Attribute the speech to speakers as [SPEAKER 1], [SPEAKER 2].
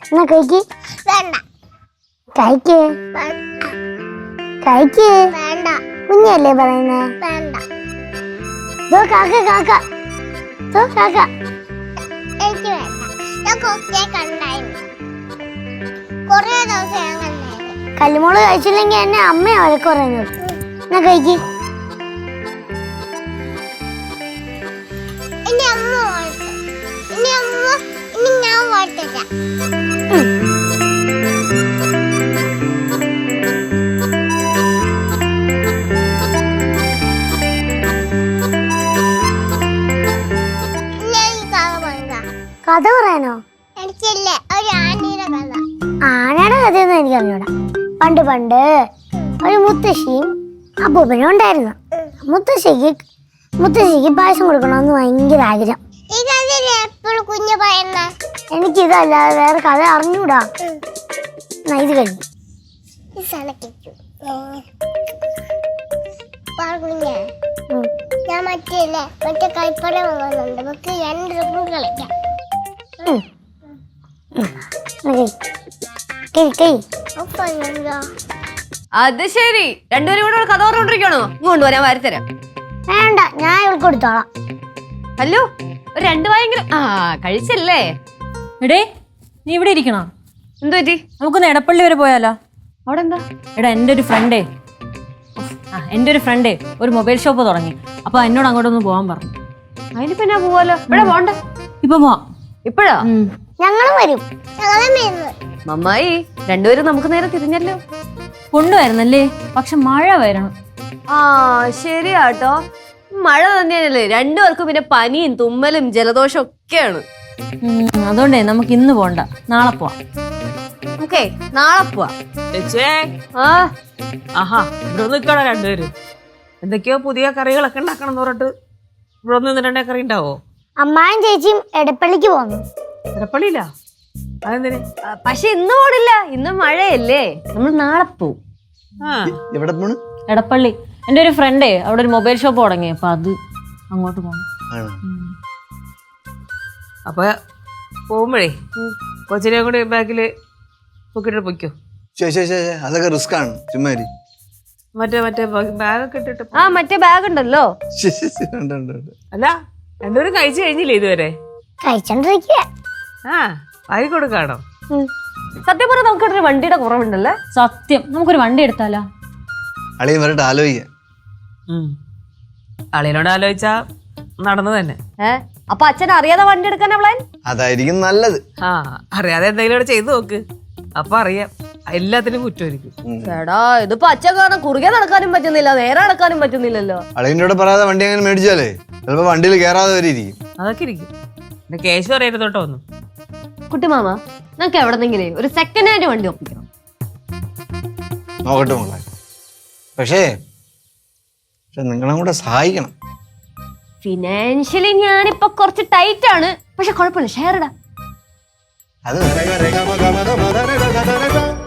[SPEAKER 1] എന്നാ കഴിക്ക്.
[SPEAKER 2] വേണ്ട.
[SPEAKER 1] കഴിക്ക്. കഴിക്ക്.
[SPEAKER 2] വേണ്ട.
[SPEAKER 1] കുഞ്ഞല്ലേ പറയുന്നേ?
[SPEAKER 2] വേണ്ട.
[SPEAKER 1] കാക്ക കാക്ക കാക്ക.
[SPEAKER 2] എനിക്ക് വേണ്ട. ഞാൻ കൊക്കെ കണ്ടായിരുന്നു. കൊറേ ദിവസം ഞാൻ കണ്ടായിരുന്നു.
[SPEAKER 1] കല്ലുമോള് കഴിച്ചില്ലെങ്കിൽ എന്നെ അമ്മയാ വഴക്ക് പറയുന്നത്. എന്നാ കഴിക്ക്.
[SPEAKER 2] ഇനി അമ്മ വാഴ്ത്ത. ഇനി ഞാൻ വാഴ്ത്തില്ല.
[SPEAKER 1] കഥ പറയാനോ?
[SPEAKER 2] എനിക്കില്ലേ ഒരു ആനയുടെ കഥ.
[SPEAKER 1] ആനയുടെ കഥയൊന്നും എനിക്ക് അറിഞ്ഞൂടാ. പണ്ട് പണ്ട് ഒരു മുത്തശ്ശിയും അപ്പൂപ്പനും ഉണ്ടായിരുന്നു. മുത്തശ്ശിക്ക് പായസം കൊടുക്കണമെന്ന് ഭയങ്കര ആഗ്രഹം.
[SPEAKER 2] ഈ കഥയില് എപ്പോഴും കുഞ്ഞു പറയുന്ന
[SPEAKER 1] എനിക്കിതല്ലാതെ വേറെ കഥ അറിഞ്ഞൂടാ. ഇത് കഴിഞ്ഞു
[SPEAKER 2] കുഞ്ഞ ഞാൻ മറ്റേ കൈപ്പട വാങ്ങുന്നുണ്ട്. നമുക്ക് 2 രൂപ കളിക്കാം.
[SPEAKER 3] അത് ശരി, രണ്ടുപേരും കൂടെ കഥ പറഞ്ഞോണ്ടിരിക്കണോ? ഇങ്ങോട്ട് വരാൻ വരത്തരാം.
[SPEAKER 1] വേണ്ട, ഞാൻ ഇവൾക്ക് കൊടുത്തോളാം.
[SPEAKER 3] ഹലോ, ഒരു 2 വായെങ്കിലും. കഴിച്ചല്ലേ?
[SPEAKER 4] എടേ, നീ ഇവിടെ ഇരിക്കണോ?
[SPEAKER 3] എന്തു പറ്റി?
[SPEAKER 4] നമുക്കൊന്ന് എടപ്പള്ളി വരെ പോയാലോ?
[SPEAKER 3] അവിടെ എന്താ?
[SPEAKER 4] എടാ, എൻ്റെ ഒരു ഫ്രണ്ടേ ഒരു മൊബൈൽ ഷോപ്പ് തുടങ്ങി. അപ്പൊ എന്നോട് അങ്ങോട്ടൊന്ന് പോകാൻ പറഞ്ഞു.
[SPEAKER 3] അതിനിപ്പോ ഞാൻ പോവാലോ. ഇവിടെ പോണ്ട.
[SPEAKER 4] ഇപ്പൊ പോവാം.
[SPEAKER 3] ഇപ്പഴാ?
[SPEAKER 1] ഞങ്ങളും വരും.
[SPEAKER 3] മമ്മായി, രണ്ടുപേരും നമുക്ക് നേരെ തിരിഞ്ഞല്ലോ.
[SPEAKER 4] കൊണ്ടുവരുന്നല്ലേ, പക്ഷെ മഴ വരണം.
[SPEAKER 3] ശരിയാട്ടോ, മഴ തന്നെയാണല്ലേ. രണ്ടുപേർക്കും പിന്നെ പനിയും തുമ്മലും ജലദോഷം ഒക്കെയാണ്.
[SPEAKER 4] അതുകൊണ്ടേ നമുക്ക് ഇന്ന് പോണ്ട, നാളെ പോവാം.
[SPEAKER 3] ഓക്കേ, നാളെ പോവാം.
[SPEAKER 5] ആഹാ, ഇവിടെ നിൽക്കണം രണ്ടുപേരും. എന്തൊക്കെയോ പുതിയ കറികളൊക്കെ ഉണ്ടാക്കണം എന്ന് പറഞ്ഞിട്ട് ഇവിടെ ഒന്ന് 2 കറി ഉണ്ടാവോ?
[SPEAKER 1] അമ്മായും ചേച്ചിയും എടപ്പള്ളിക്ക് പോന്നു.
[SPEAKER 5] എടപ്പള്ളിയില്ല? അതെന്തിന്?
[SPEAKER 3] പക്ഷെ ഇന്ന് പോണില്ല, ഇന്ന് മഴയല്ലേ. നമ്മൾ നാളെ പോവും.
[SPEAKER 6] എവിടെ പോണ്?
[SPEAKER 4] എടപ്പള്ളി. എൻ്റെ ഒരു ഫ്രണ്ടേ അവിടെ ഒരു മൊബൈൽ ഷോപ്പ് തുടങ്ങി. അപ്പൊ അത് അങ്ങോട്ട് പോകണം.
[SPEAKER 5] അപ്പൊ പോകുമ്പോഴേ കൊച്ചിനെ കൂടി ബാക്കില് പൊക്കിട്ട് പൊയ്ക്കോ.
[SPEAKER 6] അതൊക്കെ റിസ്ക് ആണ്. ചുമ്മാ
[SPEAKER 5] മറ്റേ ബാഗൊക്കെ ഇട്ടിട്ട്.
[SPEAKER 3] മറ്റേ ബാഗ് ഉണ്ടല്ലോ.
[SPEAKER 5] അല്ല, രണ്ടുപേരും കഴിച്ചു കഴിഞ്ഞില്ലേ ഇതുവരെ?
[SPEAKER 1] കഴിച്ചോണ്ടിരിക്കുക.
[SPEAKER 5] വാരി കൊടുക്കാണോ?
[SPEAKER 3] സത്യം പറഞ്ഞാൽ നമുക്കൊരു വണ്ടിയുടെ കുറവുണ്ടല്ലേ?
[SPEAKER 4] സത്യം, നമുക്കൊരു വണ്ടി എടുത്താലോ?
[SPEAKER 6] അളിയൻ വരട്ടെ, ആലോചിക്കാം.
[SPEAKER 5] അളിയനോട് ആലോചിച്ചാ നടന്നു തന്നെ.
[SPEAKER 3] അപ്പൊ അച്ഛൻ അറിയാതെ വണ്ടി എടുക്കാനാ പ്ലാൻ?
[SPEAKER 6] അതായിരിക്കും നല്ലത്.
[SPEAKER 5] അറിയാതെ എന്തെങ്കിലും ചെയ്തു നോക്ക്, അപ്പൊ അറിയാം. എല്ലാത്തിനും കുറ്റമായിരിക്കും.
[SPEAKER 3] ചേടാ, ഇതിപ്പോ അച്ഛൻ കാരണം കുറുകെ നടക്കാനും പറ്റുന്നില്ല, നേരെ നടക്കാനും പറ്റുന്നില്ലല്ലോ.
[SPEAKER 6] അളിയനോട് പറയാതെ വണ്ടി അങ്ങനെ മേടിച്ചാലേ ചിലപ്പോ വണ്ടിയിൽ കയറാതെ വരെ ഇരിക്കും.
[SPEAKER 5] അതൊക്കെ ഇരിക്കും. കേശു അറിയരുത് തൊട്ടോ ഒന്നും.
[SPEAKER 3] കുട്ടിമാമ, നമുക്ക് എവിടെന്നെങ്കിലും ഒരു സെക്കൻഡ് ഹാൻഡ് വണ്ടി ഒപ്പിക്കണം.
[SPEAKER 6] നോക്കട്ടെ മോളെ, പക്ഷേ നിങ്ങളും കൂടെ സഹായിക്കണം.
[SPEAKER 3] ഫിനാൻഷ്യലി ഞാനിപ്പോ കുറച്ച് ടൈറ്റ് ആണ്, പക്ഷെ കുഴപ്പമില്ല, ഷെയർ ഇടാം.
[SPEAKER 6] അത്